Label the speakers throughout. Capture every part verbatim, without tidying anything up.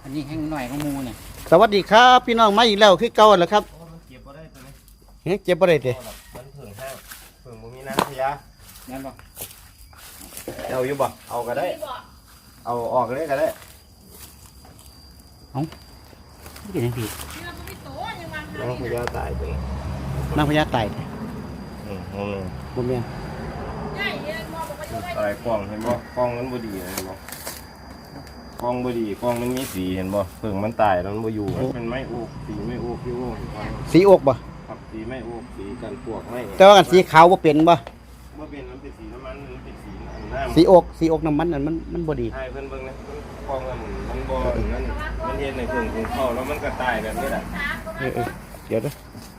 Speaker 1: อันนี้แห้งหน่อยของมูเนี่ย
Speaker 2: สวัสดีครับพี่น้องมาอีกแล้วคือเก่าแล้วครับ
Speaker 3: เก็บบ่ได้ตัวนี้
Speaker 2: เฮ้ยเจ็บบ่ได้เด้
Speaker 3: มันเพิ่งห้างเพิ่งบ่มีน้ำพยา
Speaker 1: นั่นบ่
Speaker 3: เอาอยู่บ่เอาก็ได้เอาออกเลยก็ได้
Speaker 1: เอาไม่เป็นยังพี่
Speaker 3: น้ำพยาตายไป
Speaker 2: นางพญาไต่
Speaker 3: อืมอืม
Speaker 2: บ่แม่น
Speaker 3: ตายกล้องเห็นบ่กล้องมันบ่ดีเห็นบ่กล้องบ่ดีกล้องมันมีสีเห็นบ่เพิ่งมันตายแล้วมันบ่อยู่มันไม่อุกสีไม่อุกพี่โอ้
Speaker 2: สีอกบ่
Speaker 3: ครับสีไม่อุกสีกันพวกไม่
Speaker 2: แต่ว่ากันสีขาวบ่เป็นบ่
Speaker 3: บ่เป็นมันเป็นสีน้ำมันมันเป็นสีน้ำ
Speaker 2: สีอกสีอกน้ำมันนั่นมันมันบ่ดี
Speaker 3: ให้เพิ่นเบิ่งนะกล้องมันมันบ่นั่นมันเฮ็ดในเพิ่งถึงเข้าแล้วมันก็ตายแบบนี้แหละ
Speaker 2: เออเดี๋ยวเด้อ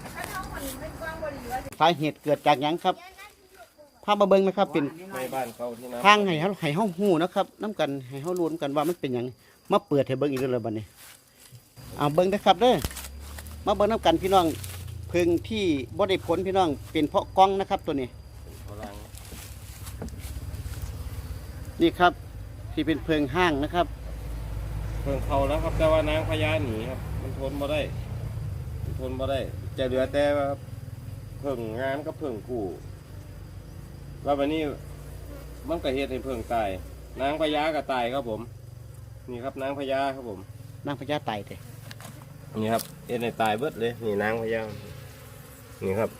Speaker 2: สาเหตุเกิดจากหยังครับพามาเบิ่งนะครับเป็น
Speaker 3: ในบ้านเขาที่
Speaker 2: ทางให้เฮาให้เฮาฮู้นะครับนำกันให้เฮารู้นำกันว่ามันเป็นหยังมาเปิดให้เบิ่งอีกแล้วบัดนี้เอาเบิ่งนะครับเด้อมาเบิ่งนำกันพี่น้องเพิ่งที่บ่ได้ผลพี่น้องเป็นเพราะกล้องนะครับตัวนี้นี่ครับที่เป็นเพิงห้างนะครับ
Speaker 3: เพิงเขาแล้วครับแต่ว่านางพญาหนีครับมันทนบ่ได้มันทนบ่ได้จะเหลือแต่ว่าเพิงงานกับเพิงกู้ว่าวันนี้มันก็เฮ็ดให้เพิงตายนางพญาก็ตายครับผมนี่ครับนางพญาครับผม
Speaker 2: นางพญาตายเด้
Speaker 3: นี่ครับเฮ็ดให้ตายเบิดเลยนี่นางพญานี่ครับ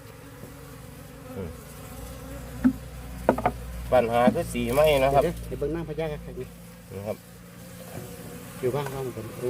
Speaker 3: ปัญหาคือสีไหมนะครับ
Speaker 2: เดี๋ยวเบิ่งนางพญาครับนี่
Speaker 3: นะครับ
Speaker 2: อยู่บ้านเราเหมือนกันโอ้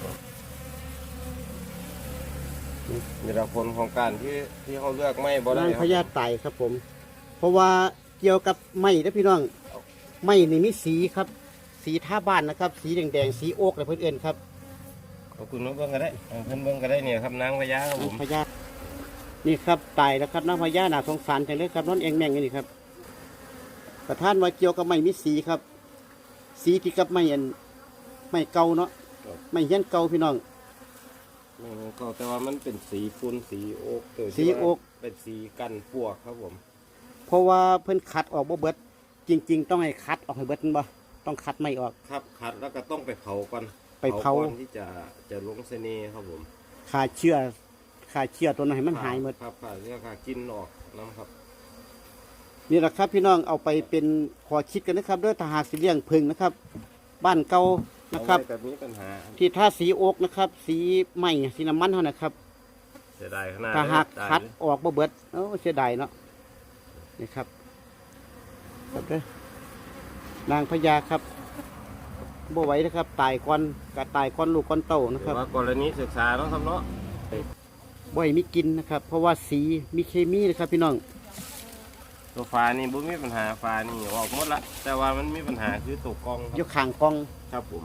Speaker 3: นี่ละผลของการที่ที่เขาเลือกไม่บ่ได้
Speaker 2: นางพญาตายครับผมเพราะว่าเกี่ยวกับไม้นะพี่น้องไม้นี่มีสีครับสีท่าบ้านนะครับสีแดงๆสีโอ๊กอะไรเพื่อนเอิ้นครับ
Speaker 3: ขอบคุณน้องเบิ้งก็ได้เพื่อนเบิ้งก็ได้เนี่ยครับนางพญาครับผม
Speaker 2: พญานี่ครับตายแล้วครับนางพญาหนาสงสารจังเลยครับน้องเองแม่งนี่ครับประธานว่าเกี่ยวกับไม้มีสีครับ สีที่กับไม้อันไม้เก่าเนาะไม้เฮี้ยนเก่าพี่น้อง
Speaker 3: ก็แต่ว่ามันเป็นสีฟุ้นสีโอ๊ก
Speaker 2: สีโอ๊ก
Speaker 3: เป็นสีกันปวกครับผม
Speaker 2: เพราะว่าเพิ่นขัดออกบ่เบิดจริงๆต้องให้คัดออกให้เบิดบ่ต้องคัดไม่ออก
Speaker 3: ครับคัดแล้วก็ต้องไปเผาก่อน
Speaker 2: ไปเผา
Speaker 3: ที่จะจะลงเสน่ห์ครับผม
Speaker 2: ฆ่าเชื้อฆ่าเชื้อตัวนั้นให้มันหายหมด
Speaker 3: ครับฆ่าเชื้อฆ่ากินออกน้ำครับ
Speaker 2: นี่แหละครับพี่น้องเอาไปเป็นขอคิดกันนะครับด้วยทหารสีเลี้ยงพึ่งนะครับบ้านเก่านะครับที่ท่าสีโอ๊กนะครับสีไม้สีน้ำมันเท่านะครับ
Speaker 3: เสียดายขนาด
Speaker 2: ถ้าหากคัดออกบ่เบิดเออเสียดายเนาะนี่ครับครับเด้อนางพญาครับบ่ไหวนะครับตายก้อนกะตายก้อนลูกก้อนเต่านะครับ
Speaker 3: ว่ากรณีศึกษาต้องทำเนาะ
Speaker 2: บ่อยมีกินนะครับเพราะว่าสีมีเคมีนะครับพี่น้อง
Speaker 3: ตัวฟ้านี่บุ้มีปัญหาฟ้านี่ออกหมดละแต่ว่ามันมีปัญหาคือตัวกล้อง
Speaker 2: ยกข่างกล้อง
Speaker 3: ครับผม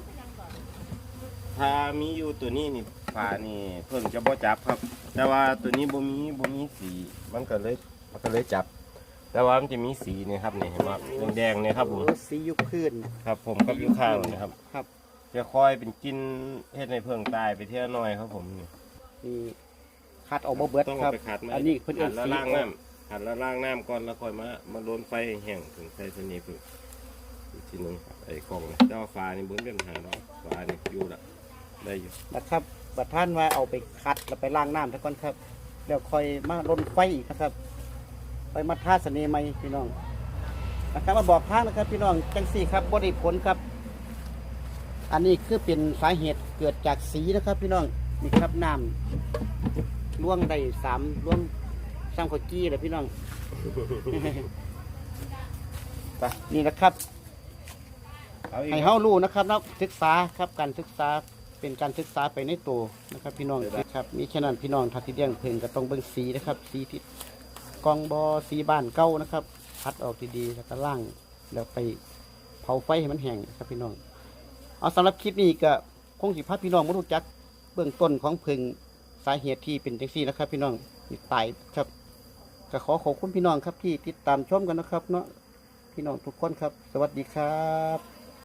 Speaker 3: ถ้ามีอยู่ตัวนี้นี่ฟ้านี่เพิ่งจะบ่จับครับแต่ว่าตัวนี้บุ้มีบุ้มีสีมันก็เลยมันก็เลยจับแต่ว่ามันจะมีสีนี่ครับนี่เห็นไหมแดงๆเนี่ยครับผม
Speaker 2: สียุคพื้น
Speaker 3: ครับผมกับยุคข้าวนะครับ
Speaker 2: ครับ
Speaker 3: จะคอยเป็นกินเฮ็ดในเพิ่งตายไปเที่ยวน้อยครับผมนี่
Speaker 2: คัดออกมาเบิดครับอันนี้เพิ่นเอา
Speaker 3: สีล่างน้ำหันแล้วล่างน้ำก่อนแล้วค่อยมามาโดนไฟแห้งถึงใส่ตัวนี้พึ่งอีกทีนึงไอ้กล่องเจ้าฟ้านี่บุ้นเป็นปัญหาเนาะฟ้านี่อยู่ละได้อยู่
Speaker 2: นะครับบัดท่านว่าเอาไปคัดแล้วไปล่างน้ำซะก่อนครับเดี๋ยวค่อยมาลนไฟอีกนะครับไปมาท่าเสน่ห์ใหม่พี่น้องนะครับมาบอกทางนะครับพี่น้องจังสี่ครับบริผลครับอันนี้คือเป็นสาเหตุเกิดจากสีนะครับพี่น้องนี่ครับน้ำล่วงได้สามล่วงสร้างข้าวจี้เลยพี่น้องนี่นะครับให้เฮารู้นะครับนักศึกษาครับการศึกษาเป็นการศึกษาไปในตัวนะครับพี่น้องครับมีแค่นั้นพี่น้องทัดที่เลี้ยงเพิ่งก็ต้องเบิ่งสีนะครับสีที่กองบอสีบ้านเก่านะครับพัดออกดีๆแล้วก็ล่างแล้วไปเผาไฟให้มันแห้งครับพี่น้องเอาสำหรับคลิปนี้ก็คงสิพาพี่น้องมารู้จักเบื้องต้นของเพิ่งสาเหตุที่เป็นจังซี่นะครับพี่น้องตายครับก็ขอขอบคุณพี่น้องครับที่ติดตามชมกันนะครับเนาะพี่น้องทุกคนครับสวัสดีครับ